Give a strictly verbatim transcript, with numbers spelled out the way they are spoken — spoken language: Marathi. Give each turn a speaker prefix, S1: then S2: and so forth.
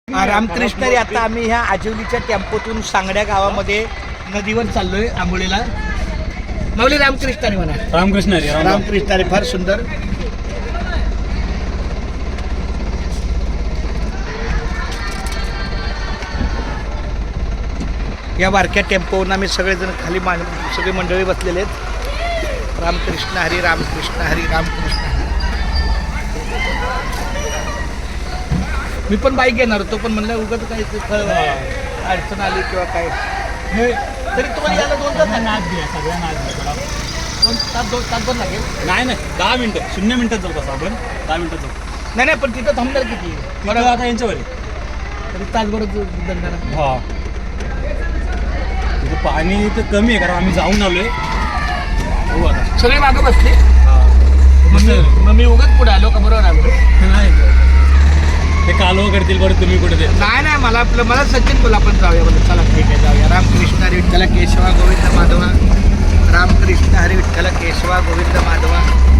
S1: रामकृष्ण रे, आता आम्ही ह्या आजिवलीच्या टेम्पोतून सांगड्या गावामध्ये नदीवर चाललोय आंबोलीला. माऊली रामकृष्ण रे म्हणा.
S2: रामकृष्ण रे.
S1: रामकृष्ण रे. फार सुंदर. या बारक्या टेम्पोवरून आम्ही सगळेजण खाली मान सगळी मंडळी बसलेले आहेत. रामकृष्ण हरी रामकृष्ण हरी रामकृष्ण हरी. मी पण बाईक घेणार होतो, पण म्हणलं उगाच काही अडचण आली किंवा काय. तरी तुम्हाला यायला दोन तास
S2: नाच घ्या सगळ्या नाच घ्या.
S1: दोन तास दोन तास दोन लागेल.
S2: नाही नाही दहा मिनटं शून्य मिनटात जाऊ तसं आपण दहा मिनटात जाऊ.
S1: नाही नाही पण तिथं थांबणार किती
S2: बरं आता यांच्यावर
S1: तरी तासभर दंडार.
S2: हा तिथं पाणी तर कमी आहे कारण आम्ही जाऊन आलोय. हो आता
S1: सगळे मागं बसले.
S2: मग
S1: मग मी उगाच पुढे आलो का बरोबर आलो.
S2: नाही ते कालवा करतील बरं तुम्ही कुठे ते.
S1: नाही नाही मला आपलं मला सचिन बोला आपण जाऊया बोला. चला ठीक आहे जाऊया. रामकृष्ण हरी विठ्ठल केशवा गोविंद माधवा. रामकृष्ण हरी विठ्ठल केशवा गोविंद माधवा.